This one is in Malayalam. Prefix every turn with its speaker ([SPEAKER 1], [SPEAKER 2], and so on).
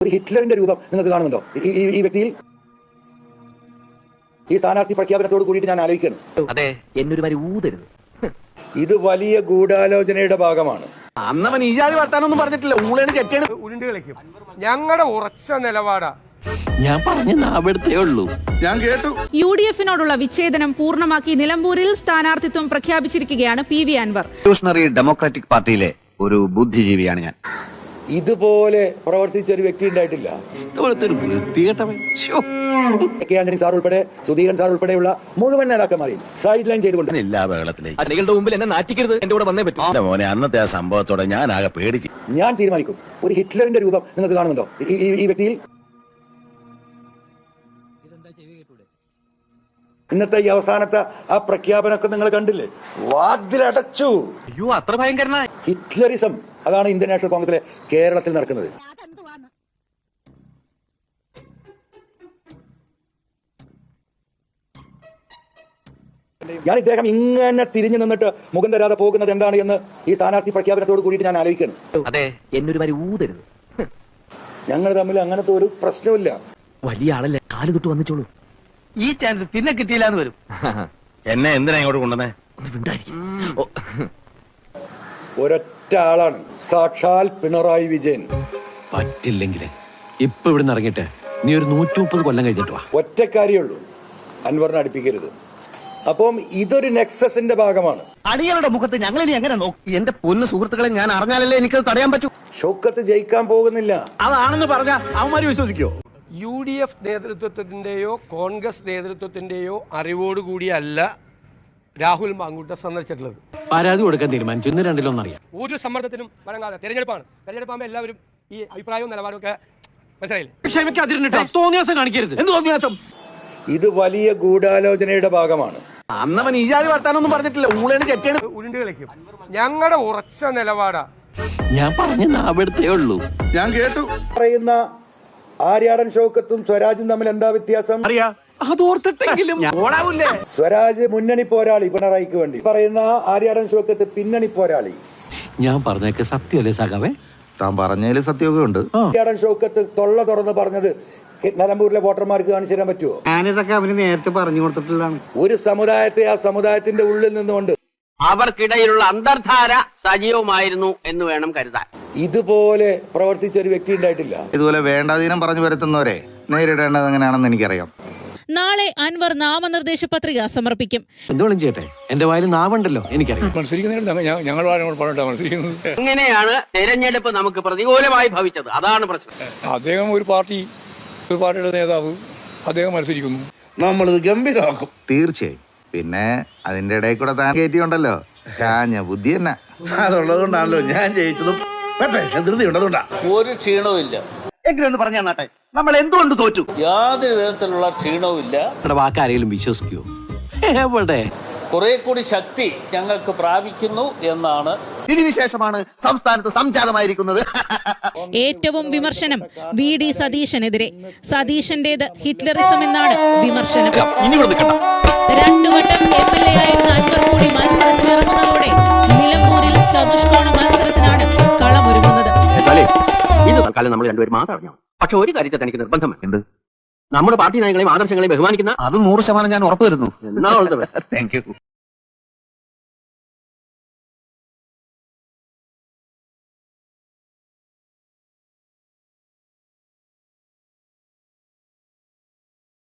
[SPEAKER 1] ഒരു ഹിറ്റ്ലറിന്റെ രൂപം നിങ്ങൾക്ക് കാണുന്നുണ്ടോ ഈ വ്യക്തിയിൽ? ഈ സ്ഥാനാർത്ഥി പ്രഖ്യാപനത്തോട് കൂടിയിട്ട് ഞാൻ ആലോചിക്കണം.
[SPEAKER 2] അതെ, എന്നൊരു വരി ഊതരുത്.
[SPEAKER 1] ഇത് വലിയ ഗൂഢാലോചനയുടെ ഭാഗമാണ്.
[SPEAKER 3] അന്നവൻ ഈ ജാതി വർത്താനൊന്നും പറഞ്ഞിട്ടില്ല. ഊളേണ് ചെറ്റേണ്
[SPEAKER 4] ഉരുണ്ട് കളിക്കും. ഞങ്ങളുടെ ഉറച്ച നിലപാടാ.
[SPEAKER 3] ഞാൻ പറഞ്ഞ നാവെടുത്തേ ഉള്ളൂ. ഞാൻ കേട്ടു.
[SPEAKER 5] UDF-നോടുള്ള വിച്ഛേദനം പൂർണ്ണമാക്കി നിലമ്പൂരിൽ സ്ഥാനാർത്ഥിത്വം പ്രഖ്യാപിച്ചിരിക്കുകയാണ് PV അൻവർ.
[SPEAKER 6] റവല്യൂഷണറി ഡെമോക്രാറ്റിക് പാർട്ടിയിലെ ഒരു ബുദ്ധിജീവിയാണ് ഞാൻ.
[SPEAKER 1] ഇതുപോലെ പ്രവർത്തിച്ച ഒരു വ്യക്തി ഉണ്ടായിട്ടില്ല. കെ ആന്റണി സാർ ഉൾപ്പെടെ, സുധീരൻ സാർ ഉൾപ്പെടെയുള്ള മുഴുവൻ നേതാക്കന്മാരെയും സൈഡ് ലൈൻ ചെയ്തുകൊണ്ട്
[SPEAKER 6] എല്ലാ ബഹളത്തിലേക്ക്
[SPEAKER 2] നിങ്ങളുടെ മുമ്പിൽ എന്നെ നാറ്റിക്കരുത്. എന്റെ കൂടെ വന്നേ പറ്റൂ.
[SPEAKER 6] മോനെ, അന്നത്തെ ആ സംഭവത്തോടെ ഞാൻ ആകെ പേടിച്ചു.
[SPEAKER 1] ഞാൻ തീരുമാനിക്കും. ഒരു ഹിറ്റ്ലറിന്റെ രൂപം നിങ്ങൾക്ക് കാണുന്നുണ്ടോ ഈ വ്യക്തിയിൽ? ഇന്നത്തെ ഈ അവസാനത്തെ ആ പ്രഖ്യാപനമൊക്കെ നിങ്ങൾ കണ്ടില്ലേ? വാതിലടച്ചു.
[SPEAKER 2] അയ്യോ, അത്ര ഭയങ്കരനാ
[SPEAKER 1] ഹിറ്റ്ലറിസം. അതാണ് ഇന്ത്യൻ നാഷണൽ കോൺഗ്രസിലെ കേരളത്തിൽ നടക്കുന്നത്. ഞാൻ ഇദ്ദേഹം ഇങ്ങനെ തിരിഞ്ഞു നിന്നിട്ട് മുഖം തരാതെ പോകുന്നത് എന്താണ് എന്ന് ഈ സ്ഥാനാർത്ഥി പ്രഖ്യാപനത്തോട് കൂടിയിട്ട് ഞാൻ ആലോചിക്കണം.
[SPEAKER 2] അതെ, എന്നൊരു വരി ഊതരുത്.
[SPEAKER 1] ഞങ്ങൾ തമ്മിൽ അങ്ങനത്തെ ഒരു പ്രശ്നമില്ല.
[SPEAKER 2] വലിയ ആളല്ലേ, കാല് തൊട്ട് വന്നിച്ചോളൂ.
[SPEAKER 3] ഈ ചാൻസ് പിന്നെ കിട്ടിയില്ലാന്ന് വരും.
[SPEAKER 6] എന്നെ എന്തിനാ ഇങ്ങോട്ട് കൊണ്ടുവന്നേ?
[SPEAKER 1] ഒരൊറ്റ ആളാണ്, സാക്ഷാൽ പിണറായി വിജയൻ.
[SPEAKER 3] പറ്റില്ലെങ്കിൽ ഇപ്പൊ ഇവിടുന്ന് ഇറങ്ങിട്ട് നീ ഒരു 130 കൊല്ലം കഴിഞ്ഞിട്ട് വാ.
[SPEAKER 1] ഒറ്റക്കാരിയുള്ളൂ, അൻവറിനെ അടുപ്പിക്കരുത്. അപ്പം ഇതൊരു നെക്സസിന്റെ ഭാഗമാണ്.
[SPEAKER 6] അടികളുടെ മുഖത്ത് ഞങ്ങൾ ഇനി എങ്ങനെ നോക്കി? എന്റെ പൊന്നു സുഹൃത്തുക്കളെ, ഞാൻ അറിഞ്ഞാലല്ലേ എനിക്കത് തടയാൻ പറ്റൂ.
[SPEAKER 1] ഷൗക്കത്ത് ജയിക്കാൻ പോകുന്നില്ല.
[SPEAKER 3] അതാണെന്ന് പറഞ്ഞാ അവന്മാര് വിശ്വസിക്കോ?
[SPEAKER 4] UDF നേതൃത്വത്തിന്റെയോ കോൺഗ്രസ് നേതൃത്വത്തിന്റെയോ അറിവോടുകൂടിയല്ല രാഹുൽ മാങ്കൂട്ട സന്ദർശിച്ചിട്ടുള്ളത്.
[SPEAKER 3] പരാതി കൊടുക്കാൻ തീരുമാനിച്ചു. ഇന്ന് രണ്ടിലൊന്നറിയാം.
[SPEAKER 4] ഒരു സമ്മർദ്ദത്തിനും വഴങ്ങാതെ. തെരഞ്ഞെടുപ്പാകുമ്പോൾ എല്ലാവരും ഈ അഭിപ്രായവും നിലപാടും ഒക്കെ മനസ്സിലായില്ലേ?
[SPEAKER 3] ക്ഷമിക്കാതിരുന്നിട്ടോ തോന്നിയാസം കാണിക്കരുത്. എന്ത് തോന്നിയാസം?
[SPEAKER 1] ഇത് വലിയ ഗൂഢാലോചനയുടെ ഭാഗമാണ്.
[SPEAKER 3] അന്നവൻ ഈ ജാതി വർത്താനൊന്നും പറഞ്ഞിട്ടില്ല. ഊളേണ് ചെറ്റേണ്
[SPEAKER 4] ഉരുണ്ട് കളിക്കും. ഞങ്ങളുടെ ഉറച്ച നിലപാടാ.
[SPEAKER 3] ഞാൻ പറഞ്ഞ നാവെടുത്തേ ഉള്ളൂ. ഞാൻ കേട്ടു.
[SPEAKER 1] പറയുന്ന ആര്യാടൻ ഷൗക്കത്തും സ്വരാജും തമ്മിൽ എന്താ വ്യത്യാസം?
[SPEAKER 3] അറിയാ, അതോർത്തിട്ടെങ്കിലും ഓടാവൂല്ലേ?
[SPEAKER 1] സ്വരാജ് മുന്നണി പോരാളി പിണറായിക്ക് വേണ്ടി, പറയുന്ന ആര്യാടൻ ഷൗക്കത്ത് പിന്നണി പോരാളി.
[SPEAKER 3] ഞാൻ പറഞ്ഞേക്ക് സത്യമല്ലേ സഖാവേ?
[SPEAKER 6] താൻ പറഞ്ഞതിൽ സത്യമൊക്കെ ഉണ്ട്.
[SPEAKER 1] ആര്യാടൻ ഷൗക്കത്ത് തൊള്ള തുറന്ന് പറഞ്ഞത് നിലമ്പൂരിലെ വോട്ടർമാർക്ക് കാണിച്ചു തരാൻ പറ്റുമോ?
[SPEAKER 6] ഞാനിതൊക്കെ അവന് നേരത്തെ പറഞ്ഞു കൊടുത്തിട്ടുള്ളതാണ്.
[SPEAKER 1] ഒരു സമുദായത്തെ ആ സമുദായത്തിന്റെ ഉള്ളിൽ നിന്നുകൊണ്ട്
[SPEAKER 7] അവർക്കിടയിലുള്ള അന്തർധാര സജീവമായിരുന്നു എന്ന് വേണം കരുതാൻ.
[SPEAKER 1] ഇതുപോലെ പ്രവർത്തിച്ച ഒരു വ്യക്തി ഉണ്ടായിട്ടില്ല.
[SPEAKER 6] ഇതുപോലെ വേണ്ടാതീനം പറഞ്ഞു വരുത്തുന്നവരെ നേരിടേണ്ടത് എങ്ങനെയാണെന്ന് എനിക്കറിയാം.
[SPEAKER 5] നാളെ അൻവർ നാമനിർദ്ദേശ പത്രിക സമർപ്പിക്കും.
[SPEAKER 3] എന്തുവേണം ചെയ്യട്ടെ, എന്റെ വായിൽ നാവുണ്ടല്ലോ, എനിക്കറിയാം.
[SPEAKER 7] ഇങ്ങനെയാണ് തെരഞ്ഞെടുപ്പ് നമുക്ക് പ്രതികൂലമായി ഭവിച്ചത്. അതാണ് പ്രശ്നം.
[SPEAKER 8] അദ്ദേഹം ഒരു പാർട്ടിയുടെ നേതാവ്, അദ്ദേഹം മത്സരിക്കുന്നു.
[SPEAKER 6] നമ്മളിത് ഗംഭീരമാക്കും തീർച്ചയായും. പിന്നെ അതിന്റെ ഇടയിൽ കൂടെ താൻ കയറ്റിയുണ്ടല്ലോ കാഞ്ഞ ബുദ്ധി തന്നെ. അതുള്ളത് കൊണ്ടാണല്ലോ ഞാൻ ജയിച്ചതും. ധൃതി ഉണ്ടതുകൊണ്ടാ.
[SPEAKER 9] ഒരു ക്ഷീണവും ഇല്ല.
[SPEAKER 6] എങ്ങനെയൊന്ന് പറഞ്ഞാ നാട്ടെ, നമ്മൾ എന്തുകൊണ്ട് തോറ്റു?
[SPEAKER 9] യാതൊരു വിധത്തിലുള്ള ക്ഷീണവും ഇല്ല.
[SPEAKER 3] വാക്കാരെങ്കിലും വിശ്വസിക്കുവോ? എവിടെ?
[SPEAKER 9] കുറെ കൂടി ശക്തി ഞങ്ങൾക്ക് പ്രാപിക്കുന്നു എന്നാണ്.
[SPEAKER 6] ഇതിനുശേഷമാണ് സംസ്ഥാനത്ത് സംജാതമായിരിക്കുന്നത്.
[SPEAKER 5] ഏറ്റവും വിമർശനം VD സതീശനെതിരെ. സതീശന്റേത് ഹിറ്റ്ലറിസം എന്നാണ് വിമർശനം. 2 വട്ടം MLA ആയിരുന്ന അൻവർ കൂടി മത്സരത്തിന് ഇറങ്ങുന്നതോടെ നിലമ്പൂരിൽ ചതുഷ്കോണ മത്സരത്തിനാണ് കളമൊരുങ്ങുന്നത്.
[SPEAKER 7] ഇത് തൽക്കാലം നമ്മൾ രണ്ടുപേരും മാത്രം അറിഞ്ഞു. പക്ഷെ ഒരു കാര്യത്തെ തനിക്ക് നിർബന്ധം.
[SPEAKER 6] എന്ത്?
[SPEAKER 7] നമ്മുടെ പാർട്ടി നയങ്ങളെയും ആദർശങ്ങളെയും ബഹുമാനിക്കുന്ന
[SPEAKER 6] അത് 100% ഞാൻ ഉറപ്പുവരുന്നു.
[SPEAKER 7] എന്നാ
[SPEAKER 6] താങ്ക് യു.